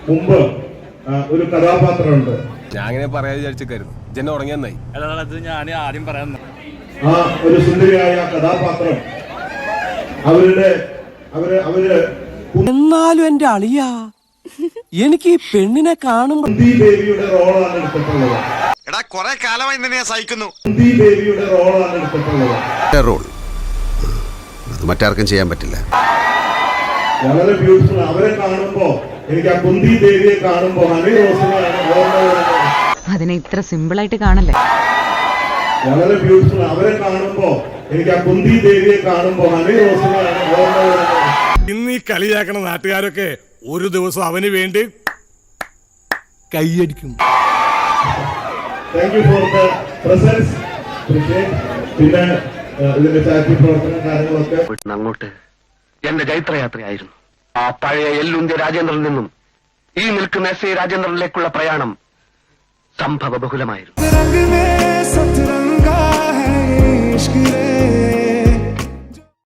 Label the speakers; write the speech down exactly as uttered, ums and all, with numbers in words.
Speaker 1: മുമ്പ് ഒരു കഥാപാത്രമുണ്ട്.
Speaker 2: ഞാൻ അങ്ങനെ പറയാൻ വിചാരിച്ചിരുന്നു. ജന ഉറങ്ങിയെന്നായി.
Speaker 3: അത് ഞാൻ ആദ്യം പറയാൻ
Speaker 1: ആ ഒരു സുന്ദരിയായ കഥാപാത്രം അവരുടെ അവര് അവര്
Speaker 4: എന്നാലും എന്റെ അളിയാ എനിക്ക് ഈ പെണ്ണിനെ കാണുമ്പോൾ
Speaker 1: കുന്തി ദേവിയുടെ റോളാണ് എടുത്തിട്ടുള്ളത്.
Speaker 5: എടാ കുറെ കാലമായി നിന്നെ സഹിക്കുന്നു.
Speaker 1: കുന്തി ദേവിയുടെ റോളാണ് എടുത്തിട്ടുള്ളത്.
Speaker 6: റോൾ അത് മറ്റാർക്കും ചെയ്യാൻ പറ്റില്ല.
Speaker 1: വളരെ ബ്യൂട്ടിഫുൾ. അവരെ കാണുമ്പോ എനിക്ക് ആ കുന്തി ദേവിയെ കാണുമ്പോ ഹണി റോസിനെയാണ് ഓർമ്മ വരുന്നത്.
Speaker 7: അതിനെ ഇത്ര സിമ്പിൾ ആയിട്ട് കാണല്ലേ.
Speaker 1: വളരെ ബ്യൂട്ടിഫുൾ. അവരെ കാണുമ്പോ എനിക്ക് ആ കുന്തി ദേവിയെ കാണുമ്പോ ഹണി റോസിനെയാണ് ഓർമ്മ വരുന്നത്.
Speaker 2: ഇന്ന് ഈ കളിയാക്കണ നാട്ടുകാരൊക്കെ ഒരു ദിവസം അവന് വേണ്ടി കൈയടിക്കും.
Speaker 1: Thank you for the presence. പിന്നെ ഇതിന്റെ ചാറ്റി പ്രവർത്തനം കാര്യങ്ങളൊക്കെ
Speaker 8: അങ്ങോട്ട് എന്റെ ജൈത്രയാത്രയായിരുന്നു. ആ പഴയ എല്ലുന്ത്യ രാജേന്ദ്രനിൽ നിന്നും ഈ നിൽക്കുന്ന എസ് എ രാജേന്ദ്രനിലേക്കുള്ള പ്രയാണം സംഭവ ബഹുലമായിരുന്നു.